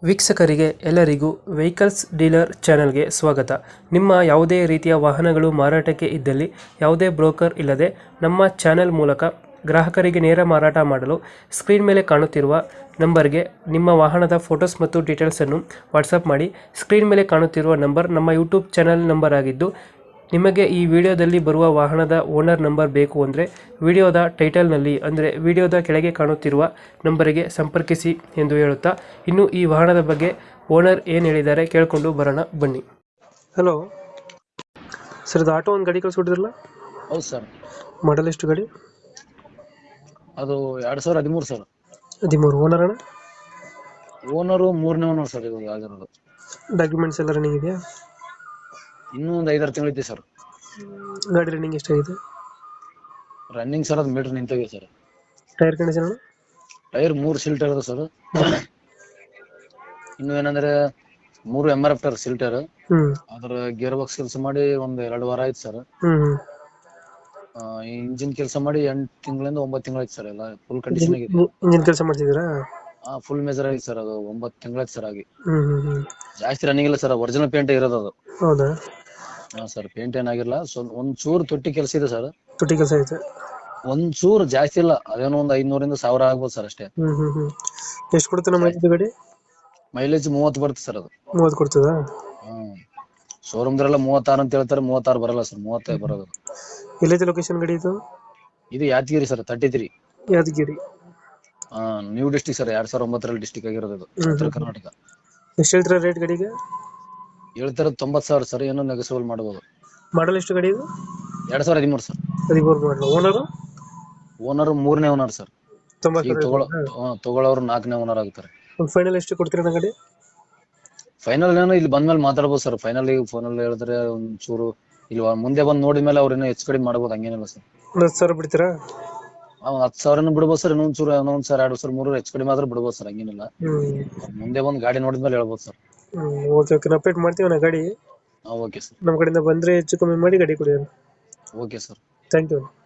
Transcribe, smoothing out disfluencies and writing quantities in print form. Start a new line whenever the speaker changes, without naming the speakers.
ವೀಕ್ಷಕರಿಗೆ ಎಲ್ಲರಿಗೂ vehicles dealer ಚಾನೆಲ್ಗೆ ಸ್ವಾಗತ. ನಿಮ್ಮ ಯಾವುದೇ ರೀತಿಯ ವಾಹನಗಳು ಮಾರಾಟಕ್ಕೆ ಇದ್ದಲ್ಲಿ ಯಾವುದೇ ಬ್ರೋಕರ್ ಇಲ್ಲದೆ ನಮ್ಮ ಚಾನೆಲ್ ಮೂಲಕ ಗ್ರಾಹಕರಿಗೆ ನೇರ ಮಾರಾಟ ಮಾಡಲು ಸ್ಕ್ರೀನ್ ಮೇಲೆ ಕಾಣುತ್ತಿರುವ ನಂಬರ್ಗೆ ನಿಮ್ಮ ವಾಹನದ ಫೋಟೋಸ್ ಮತ್ತು ಡೀಟೇಲ್ಸನ್ನು ವಾಟ್ಸಪ್ ಮಾಡಿ. ಸ್ಕ್ರೀನ್ ಮೇಲೆ ಕಾಣುತ್ತಿರುವ ನಂಬರ್ ನಮ್ಮ ಯೂಟ್ಯೂಬ್ ಚಾನೆಲ್ ನಂಬರ್ ಆಗಿದ್ದು, ನಿಮಗೆ ಈ ವಿಡಿಯೋದಲ್ಲಿ ಬರುವ ವಾಹನದ ಓನರ್ ನಂಬರ್ ಬೇಕು ಅಂದರೆ ವಿಡಿಯೋದ ಟೈಟಲ್ನಲ್ಲಿ ಅಂದರೆ ವಿಡಿಯೋದ ಕೆಳಗೆ ಕಾಣುತ್ತಿರುವ ನಂಬರಿಗೆ ಸಂಪರ್ಕಿಸಿ ಎಂದು ಹೇಳುತ್ತಾ, ಇನ್ನು ಈ ವಾಹನದ ಬಗ್ಗೆ ಓನರ್ ಏನು ಹೇಳಿದ್ದಾರೆ ಕೇಳಿಕೊಂಡು ಬರೋಣ ಬನ್ನಿ. ಹಲೋ ಸರ್, ಇದು ಆಟೋ ಒಂದು ಗಾಡಿ ಕಳಿಸ್ಕೊಟ್ಟಿದ್ರಲ್ಲ?
ಹೌದು ಸರ್.
ಮಾಡಲ್ ಎಷ್ಟು ಗಾಡಿ?
ಅದು 2013 ಸರ್.
13. ಓನರ್ ಅಣ್ಣ?
ಓನರು 3ನೇ ಓನರ್ ಸರ್ ಇವಾಗ ಆಗಿರೋದು.
ಡಾಕ್ಯುಮೆಂಟ್ಸ್ ಎಲ್ಲ ರನ್ನಿಂಗ್ ಇದೆಯಾ?
ಇನ್ನೂ ಒಂದು 5-6 ತಿಂಗಳಿದೆ ಸರ್.
ಗಾಡಿ ರನ್ನಿಂಗ್ ಎಷ್ಟಾಗಿದೆ?
ರನ್ನಿಂಗ್ ಸರ್, ಅದು ಮೀಟರ್ ನಿಂತೋಗಿದೆ ಸರ್.
Tyre condition?
ಟೈರ್ 3 ಸಿಲ್ಟರ್ ಅದ ಸರ್. ಇನ್ನು ಏನಂದ್ರೆ 3 MRF ಟೈರ್ ಸಿಲ್ಟರ್. ಅದ್ರ ಗೇರ್ ಬಾಕ್ಸ್ ಕೆಲಸ ಮಾಡಿ ಒಂದು 2 ವಾರ ಆಯ್ತು ಸರ್. ಇಂಜಿನ್ ಕೆಲಸ ಮಾಡಿ 8 ತಿಂಗಳಿಂದ 9 ತಿಂಗಳಾಯ್ತು ಸರ್. ಎಲ್ಲ ಫುಲ್ ಕಂಡೀಷನ್ ಆಗಿದೆ.
ಇಂಜಿನ್ ಕೆಲಸ ಮಾಡ್ತಿದ್ದೀರಾ?
ಫುಲ್ ಮೇಜರ್ ಆಗಿದೆ ಸರ್. ಅದು 9 ತಿಂಗಳಾಯ್ತು ಸರ್ ಆಗಿ. ಜಾಸ್ತಿ ರನ್ನಿಂಗ್ ಇಲ್ಲ ಸರ್. ಒರಿಜಿನಲ್ ಪೇಂಟ್ ಇರೋದು ಅದು.
ಹೌದಾ?
ಹಾ ಸರ್, ಪೇಂಟ್ ಏನಾಗಿಲ್ಲ. ಒಂದ್ ಚೂರು ತೊಟ್ಟಿ ಕೆಲಸ ಇದೆ ಸರ್.
ತೊಟ್ಟಿ ಕೆಲಸ ಐತೆ?
ಒಂದ್ ಚೂರು ಜಾಸ್ತಿ ಇಲ್ಲ, ಅದೇನೋ ಒಂದು 500 1000 ಆಗ್ಬೋದು ಸರ್ ಅಷ್ಟೇ.
ಎಷ್ಟು ಕೊಡುತ್ತೆ ನಮ್ಮ ಗಾಡಿ?
ಮೈಲೇಜ್ 30 ಬರುತ್ತೆ ಸರ್. ಅದು
30 ಕೊಡ್ತದಾ?
ಶೋರೂಮ್ದ್ರೆಲ್ಲ 36 ಅಂತ ಹೇಳ್ತಾರೆ. 36 ಬರಲ್ಲ ಸರ್, 35 ಬರೋದು.
ಎಲ್ಲೈತೆ ಲೊಕೇಶನ್ ಗಾಡಿ ಇದು?
ಇದು Yadgiri sir, 33.
Yadgiri?
New district sir. 2009 district ಆಗಿರೋದು ಇದು, ಉತ್ತರ ಕರ್ನಾಟಕ.
ಎಷ್ಟು ಹೇಳ್ತೀರಾ ರೇಟ್ ಗಾಡಿಗೆ?
ಹೇಳ್ತಾರೆ 90,000 ಸರ್. ಏನೋ ನೆಗೋಸಿಯಬಲ್ ಮಾಡಬಹುದು.
ಮಾಡಲ್ ಎಷ್ಟು ಗಾಡಿ ಇದು?
2013 ಸರ್.
13 ಮಾಡಲ್. ಓನರ್?
ಓನರ್ 3ನೇ ಓನರ್ ಸರ್. ಈಗ
90,000
ತಗೊಳ್ಳೋರು 4ನೇ ಓನರ್ ಆಗ್ತಾರೆ.
ಫೈನಲ್ ಎಷ್ಟು ಕೊಡ್ತೀರಾ ಗಾಡಿ?
ಫೈನಲ್ ಏನೋ ಇಲ್ಲಿ ಬಂದ್ಮೇಲೆ ಮಾತಾಡ್ಬೋದು ಸರ್. ಫೈನಲ್ ಈಗ ಫೋನಲ್ಲಿ ಹೇಳಿದ್ರೆ ಒಂದ್ ಚೂರು ಇಲ್ಲಿ ಮುಂದೆ ಬಂದು ನೋಡಿದ್ಮೇಲೆ ಅವ್ರೇನೋ ಹೆಚ್ಚು ಕಡಿಮೆ ಮಾಡ್ಬೋದು, ಹಂಗೇನಿಲ್ಲ ಸರ್.
10,000 ಬಿಡ್ತೀರಾ?
10,000 ಬಿಡ್ಬೋದು ಸರ್. ಇನ್ನೊಂದ್ ಚೂರು 1,000 2,000 3 ಹೆಚ್ಚು ಕಡಿಮೆ ಆದ್ರೂ ಬಿಡ್ಬೋದು ಸರ್, ಹಂಗೇನಿಲ್ಲ. ಮುಂದೆ ಬಂದು ಗಾಡಿ ನೋಡಿದ್ಮೇಲೆ ಹೇಳ್ಬೋದು ಸರ್.
ಓಕೆ ಓಕೆ, ಅಪ್ಡೇಟ್ ಮಾಡ್ತೀವಿ ನಾ ಗಾಡಿ.
Okay sir.
ನಮ್ಮ ಕಡೆಯಿಂದ ಬಂದ್ರೆ ಹೆಚ್ಚು ಕಮ್ಮಿ ಮಾಡಿ ಗಾಡಿ ಕೊಡಿ.
Okay sir.
Thank you.